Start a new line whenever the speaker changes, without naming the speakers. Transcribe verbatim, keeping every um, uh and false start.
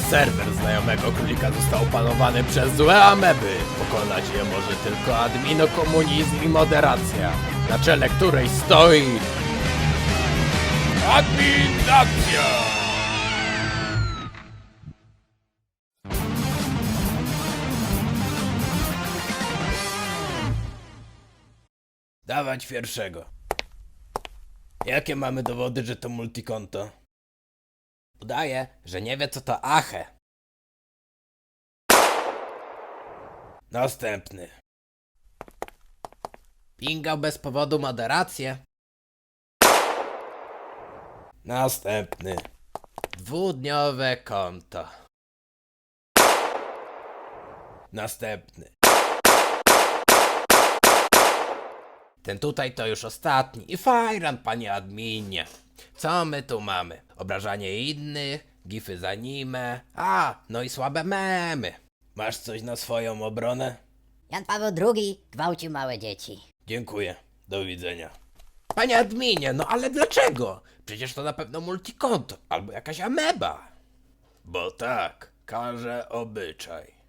Serwer znajomego królika został opanowany przez złe ameby. Pokonać je może tylko adminokomunizm i moderacja, na czele której stoi... Adminacja! Dawać pierwszego. Jakie mamy dowody, że to multikonto? Udaje, że nie wie co to Ache. Następny. Pingał bez powodu moderację. Następny. Dwudniowe konto. Następny. Ten tutaj to już ostatni. I fajran, panie adminie. Co my tu mamy? Obrażanie innych, gify za anime. A, no i słabe memy. Masz coś na swoją obronę?
Jan Paweł drugi gwałcił małe dzieci.
Dziękuję. Do widzenia. Panie adminie, no ale dlaczego? Przecież to na pewno multikonto albo jakaś ameba. Bo tak, każe obyczaj.